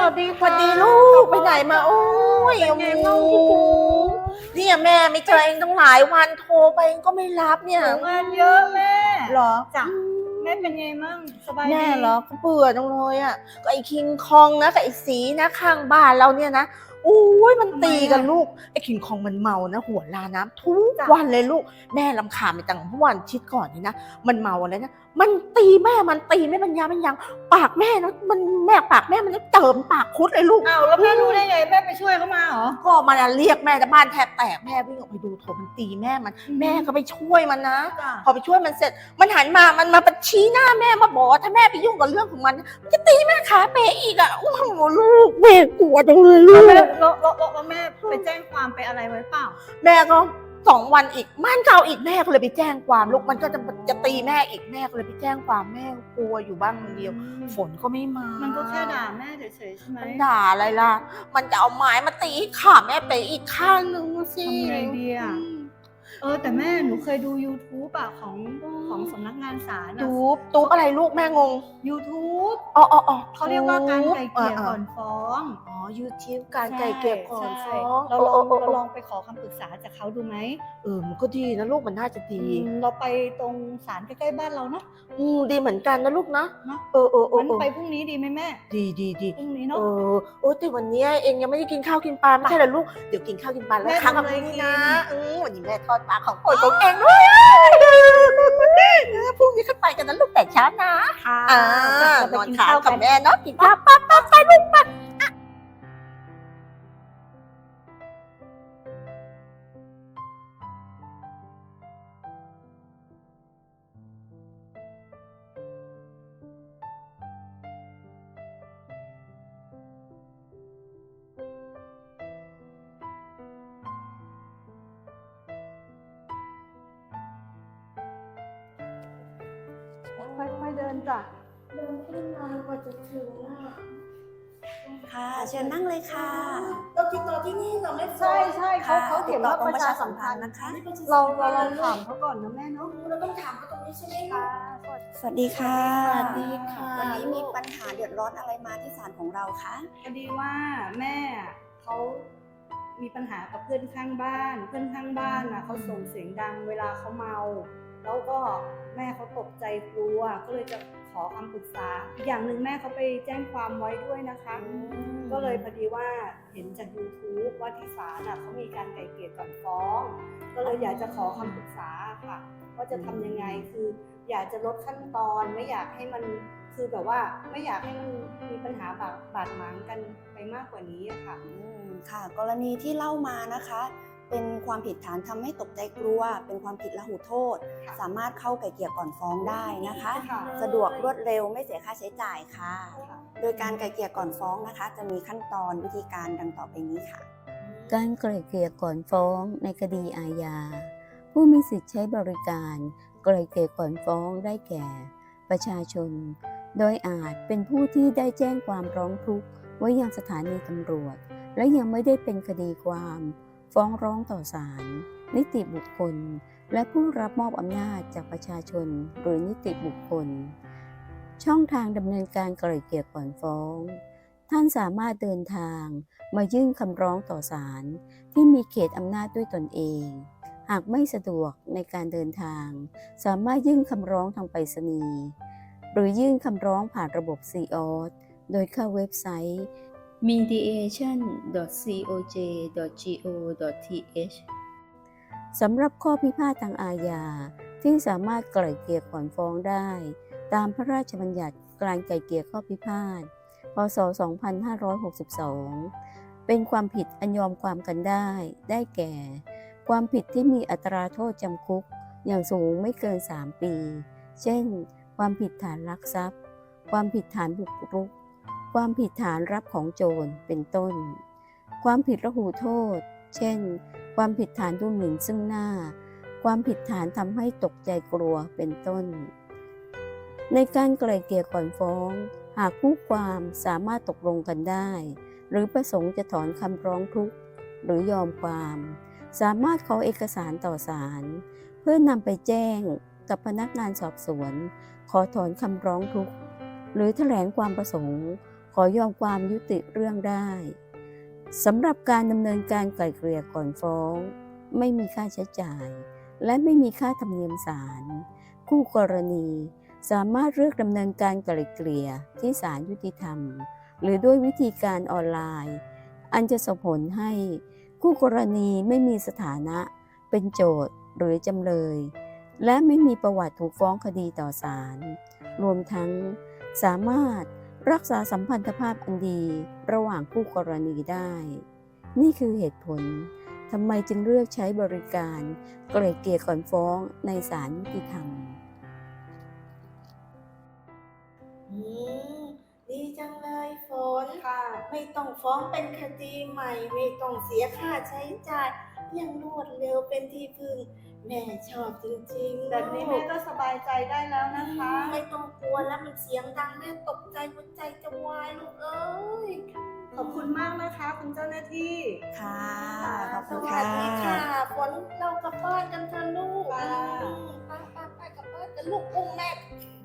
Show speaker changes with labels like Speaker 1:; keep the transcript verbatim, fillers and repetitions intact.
Speaker 1: วัสดี
Speaker 2: สวัสดีลูกไปไหนมาโอ้ย
Speaker 1: เป็นไงบ้างพี่ปู
Speaker 2: เนี่ยแม่ไม่เจอเองตั้งหลายวันโทรไปเองก็ไม่รับเนี่ย
Speaker 1: งานเยอะแม่
Speaker 2: เหรอ
Speaker 1: จ้ะแม่เป็นไงมั่งสบายดี
Speaker 2: แม่เหรอก็เบื่อจังเลยอ่ะก็ไอ้คิงคองนะกับไอ้สีนะข้างบ้านเราเนี่ยนะโอ้ยมันตีกันลูกไอ้คิงคองมันเมานะหัวลาน้ำทุกวันเลยลูกแม่รำคาญไปตั้งเมื่อวันอาทิตย์ก่อนนี่นะมันเมาแล้วนะมันตีแม่มันตีแม่ปัญญามันยังปากแม่นะมันแม่ปากแม่มันเจิมปากคุดเลยลูก
Speaker 1: อ้าวแล้วแม่รู้ได้ไงแม่ไปช่วยเขามาเหรอ
Speaker 2: ก็มันเรียกแม่แต่บ้านแทบแตกแม่วิ่งออกไปดูโถมันตีแม่มันแม่ก็ไปช่วยมันนะพอไปช่วยมันเสร็จมันหันมามันมาชี้หน้าแม่มาบอกว่าถ้าแม่ไปยุ่งกับเรื่องของมันมันจะตีแม่ขาเปอีกอ่ะโอ้โหลูกแม่กลัวจังเลยลูก
Speaker 1: แล้วแล้วแล้วแม่ไปแจ้งความไปอะไรไว้เปล่า
Speaker 2: แม่ก็สองวันอีกม่านเก่าอีกแม่ก็เลยไปแจ้งความลูกมันก็จะจะตีแม่อีกแม่ก็เลยไปแจ้งความแม่กลัวอยู่บ้างคนเดียวฝนก็ไม่มา
Speaker 1: มันก็แค่ด่าแม่เฉยๆใช่ไหม
Speaker 2: มันด่าอะไรล่ะมันจะเอาไม้มาตีขาแม่ไปอีกข้างนึงสิ
Speaker 1: ทำไงดีอ่ะเออแต่แม่หนูเคยดู YouTube อ่ะของของสำนักงานศาล
Speaker 2: ทูบทูบอะไรลูกแม่งง
Speaker 1: YouTube
Speaker 2: อ๋ออ๋อ
Speaker 1: เขาเรียกว่าการไกล่เกลี่ยก่อนฟ้อง
Speaker 2: อ๋อ YouTube การไกล่เกลี่ยก่อนฟ้อง
Speaker 1: เราลองเราลองไปขอคำปรึกษาจากเขาดูไหม
Speaker 2: เออมันก็ดีนะลูกมันน่าจะดี
Speaker 1: เราไปตรงศาลใกล้ๆบ้านเราเนาะ
Speaker 2: อืมดีเหมือนกันนะลูกนะเออเออเออ
Speaker 1: ไปพรุ่งนี้ดีไหมแม่
Speaker 2: ดีดีดี
Speaker 1: พรุ่งนี้เนาะ
Speaker 2: เออโอ้แต่วันนี้เองยังไม่ได้กินข้าวกินปลาไม่ใช่เหรอลูกเดี๋ยวกินข้าวกินปลาแล้วครั้งนี้นะอืมวันนี้แม่ทอดปลาของโปรดของเองด้วยพรุ่งนี้ขึ้นไปกันนะลูกแต่เช้านะ
Speaker 1: ค่ะ
Speaker 2: นอนค้างกับแม่เนาะกินข้าวปั๊บปั๊บไปลูกปั๊บ
Speaker 1: ค่อยๆเดินจ้ะ
Speaker 2: เดินขึ้นมากว่าจะถึงอ่ะ
Speaker 3: ค่ะเชิญนั่งเลยค่ะ
Speaker 2: เราติดต่อที่นี่เราไม่
Speaker 1: ใช่ใช่เขาเขาเขียนว่าประชาสัมพันธ์
Speaker 3: นะคะ
Speaker 1: เราเราลองถามเขาก่อนนะแม่เนาะ
Speaker 2: เราต้องถามเขาตรงนี้ใช่ไหมคะ
Speaker 3: สวัสดีค่ะ
Speaker 2: สวัสดีค่ะ
Speaker 3: วันนี้มีปัญหาเดือดร้อนอะไรมาที่ศาลของเราคะ
Speaker 1: พอดีว่าแม่เขามีปัญหากับเพื่อนข้างบ้านเพื่อนข้างบ้านนะเขาส่งเสียงดังเวลาเขาเมาแล้วก็แม่เขาตกใจกลัวก็เลยจะขอคำปรึกษาอีกอย่างหนึ่งแม่เขาไปแจ้งความไว้ด้วยนะคะก็เลยพอดีว่าเห็นจาก YouTube ว่าที่ศาลเขามีการไกล่เกลี่ยก่อนฟ้องก็เลยอยากจะขอคำปรึกษาค่ะว่าจะทำยังไงคืออยากจะลดขั้นตอนไม่อยากให้มันคือแบบว่าไม่อยากให้มันมีปัญหาบาดบาดหมางกันไปมากกว่านี้ค่ะ
Speaker 3: ค่ะกรณีที่เล่ามานะคะเป็นความผิดฐานทำให้ตกใจกลัวเป็นความผิดละหูโทษสามารถเข้าไกล่เกลี่ยก่อนฟ้องได้นะคะสะดวกรวดเร็วไม่เสียค่าใช้จ่ายค่ะโดยการไกล่เกลี่ยก่อนฟ้องนะคะจะมีขั้นตอนวิธีการดังต่อไปนี้ค่ะ
Speaker 4: การไกล่เกลี่ยก่อนฟ้องในคดีอาญาผู้มีสิทธิ์ใช้บริการไกล่เกลี่ยก่อนฟ้องได้แก่ประชาชนโดยอาจเป็นผู้ที่ได้แจ้งความร้องทุกข์ไว้ยังสถานีตำรวจและยังไม่ได้เป็นคดีความฟ้องร้องต่อศาลนิติบุคคลและผู้รับมอบอำนาจจากประชาชนหรือนิติบุคคลช่องทางดำเนินการไกล่เกลี่ยก่อนฟ้องท่านสามารถเดินทางมายื่นคำร้องต่อศาลที่มีเขตอำนาจด้วยตนเองหากไม่สะดวกในการเดินทางสามารถยื่นคำร้องทางไปรษณีย์หรือยื่นคำร้องผ่านระบบ ซี ออ ที โดยเข้าเว็บไซต์ มีเดียชั่น ดอท ซี โอ เจ ดอท จี โอ ดอท ที เอช สำหรับข้อพิพาททางอาญาที่สามารถไกล่เกลี่ยก่อนฟ้องได้ตามพระราชบัญญัติการไกล่เกลี่ยข้อพิพาทพ.ศ. สองพันห้าร้อยหกสิบสองเป็นความผิดอันยอมความกันได้ได้แก่ความผิดที่มีอัตราโทษจำคุกอย่างสูงไม่เกินสามปีเช่นความผิดฐานลักทรัพย์ความผิดฐานบุกรุกความผิดฐานรับของโจรเป็นต้นความผิดละหูโทษเช่นความผิดฐานดูหมิ่นซึ่งหน้าความผิดฐานทำให้ตกใจกลัวเป็นต้นในการไกล่เกลี่ยก่อนฟ้องหากคู่ความสามารถตกลงกันได้หรือประสงค์จะถอนคำร้องทุกข์หรือยอมความสามารถขอเอกสารต่อศาลเพื่อนำไปแจ้งกับพนักงานสอบสวนขอถอนคำร้องทุกข์หรือแถลงความประสงค์ขออยอมความยุติเรื่องได้สำหรับการดำเนินการไกล่เกลี่ยก่อนฟ้อง ไม่มีค่าใช้จ่าย และไม่มีค่าธรรมเนียมศาลคู่กรณีสามารถเลือกดำเนินการไกล่เกลี่ยที่ศาลยุติธรรม หรือด้วยวิธีการออนไลน์ อันจะส่งผลให้คู่กรณีไม่มีสถานะเป็นโจทก์หรือจำเลย และไม่มีประวัติถูกฟ้องคดีต่อศาลรวมทั้งสามารถรักษาสัมพันธภาพอันดีระหว่างคู่กรณีได้ นี่คือเหตุผลทำไมจึงเลือกใช้บริการไกล่เกลี่ยก่อนฟ้องในศาลยุติธรรม
Speaker 2: อืมดีจังเลยฝน
Speaker 1: ค่ะ
Speaker 2: ไม่ต้องฟ้องเป็นคดีใหม่ ไม่ต้องเสียค่าใช้จ่ายยังรวดเร็วเป็นที่พึ่งแม่ชอบจริงๆ
Speaker 1: แบบนี้แม่ก็สบายใจได้แล้วนะ
Speaker 2: อื
Speaker 1: คะ
Speaker 2: มไม่ต้องกลัวแล้วมันเสียงดังแม่ตกใจหัวใจจะวายลูกเอ้ย
Speaker 1: ขอบคุณมากนะคะคุณเจ้าหน้าที่
Speaker 3: ค่ะ ขอบ
Speaker 2: ส
Speaker 3: คุณ
Speaker 2: วั
Speaker 3: ค่ะ
Speaker 2: สดีค่ะฝนเรากลับบ้านกันเถอะลูก
Speaker 1: ค่ะ
Speaker 2: อืมไปไปไปกลับบ้านกันลูกอุ้มแม่